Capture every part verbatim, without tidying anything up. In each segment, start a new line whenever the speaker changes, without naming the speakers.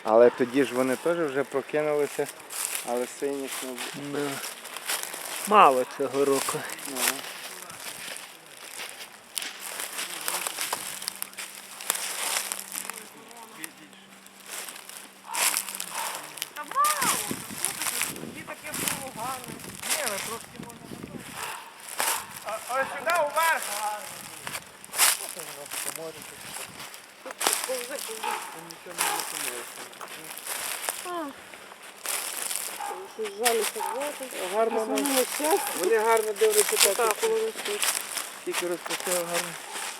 Але тоді ж вони теж вже прокинулися, але синіх не було.
Да. Мало цього року.
Ну.
Та мало, тоді таке було гарне.
Ні, але трошки можна. Ось сюди уверх.
Повзи, повзи. Щось жалюся звати.
Гарно,
Змінило щастя.
вони гарно дивляться
Так, коли ви тут.
Тільки розпустив гарно.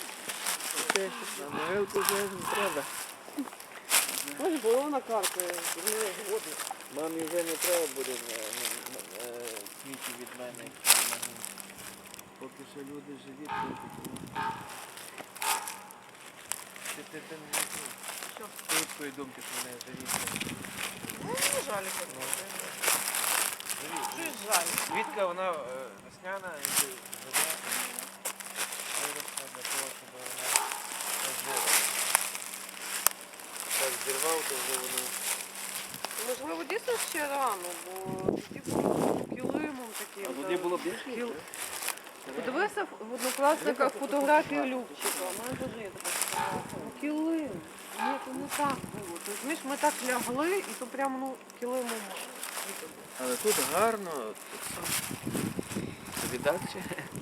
На могилку вже не треба.
Ось було на карті.
Мамі вже не треба буде квіти від мене, якщо не можу. Поки що люди живі, то ти ти ти не знаю.
Що?
Ти твої думки, що вони живі.
Ну, не жалюся. Щось жаль.
Квітка, вона весняна, і живе. Виросла для того, щоб вона розжила. Так зірвав, то вже воно...
Можливо, дійсно ще рано, бо тоді було килимом таким.
А тоді було більше?
Кіл... Подивися в однокласниках фотографію Любчика. У мене теж є така фотографія. Ну, килим. Ні, то не так було. Ти розумієш, ми так лягли, і то прямо ну, килимом.
Але тут гарно, тут сам. Тобі далі?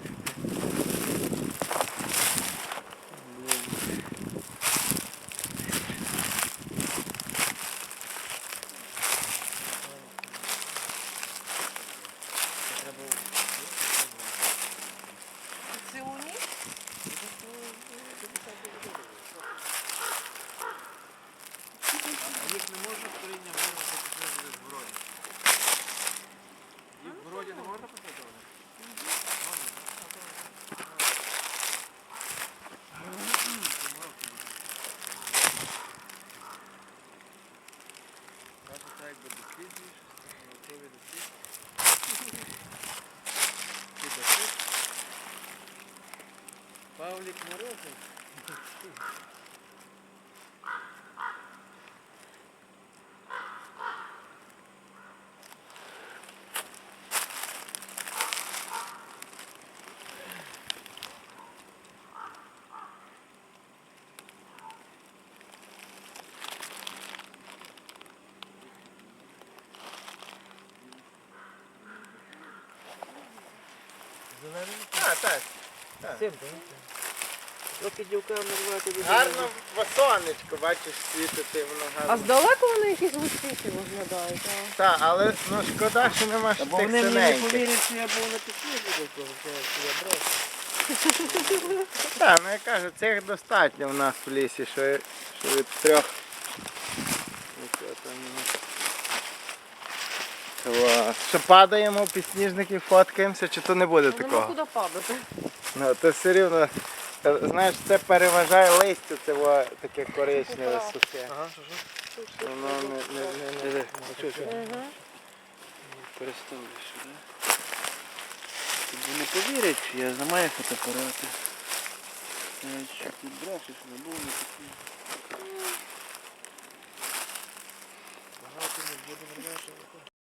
Цілу ніч?
Їх не можна коріння вирвати, після буде в городі. Їх в городі не можна посадити? Бачите, так якби досліджуєш, наукові дослідження. Ти досить. Павлік Морозов. А, так.
Цим, так? Трохи дівками рвати до
Гарно в сонечко, бачиш, світити, воно
А
гарно.
здалеку вони якісь густіші виглядають, а?
Так, але ну шкода, що нема ж
Бо
тих
вони мені не
синеньких.
повірять, що я був на пісні до того, що я брав.
Так, ну я кажу, цих достатньо в нас в лісі, що, що від трьох. Нічого там нема. Клас. Що падаємо в підсніжники, фоткаємося, чи то не буде
Ну, нема
такого?
куди падати.
Ну, то все рівно, е, знаєш, це переважає листя, це во, таке коричневе сухе.
Ага, що що?
Воно не, не, не, не,
Диви, а що, що?
Угу.
Переставлю сюди. Тобі не повірять, що я знімаю фотоапарати. Навіть що ти брешеш, не було не такі. Багато не буде, не